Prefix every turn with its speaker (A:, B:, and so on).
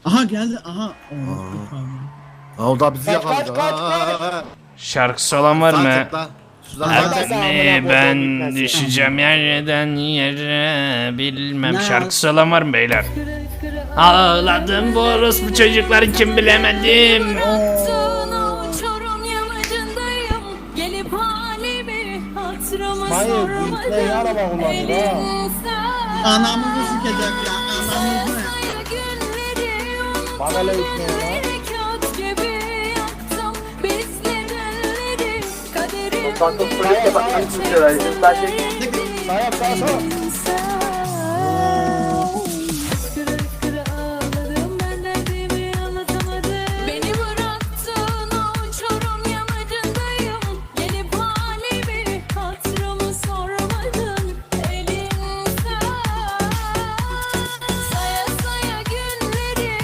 A: Aha geldi aha.
B: O da bizi yakaladı.
C: kaç.
D: Şarkısı olan var mı?
C: Abi,
D: Ben düşeceğim yerden yere bilmem.
A: Ne?
D: Şarkısı olan var mı beyler? Ağladım bu orospu çocuklar kim bilemedim.
C: Hayır, bu ne araba kullanıyor ha?
A: Anamızı sikecek ya anamızı.
C: Bana öyle gitmiyor lan.
E: Santos polise bakmak istiyorlar. Sadece
C: Sağa sağa.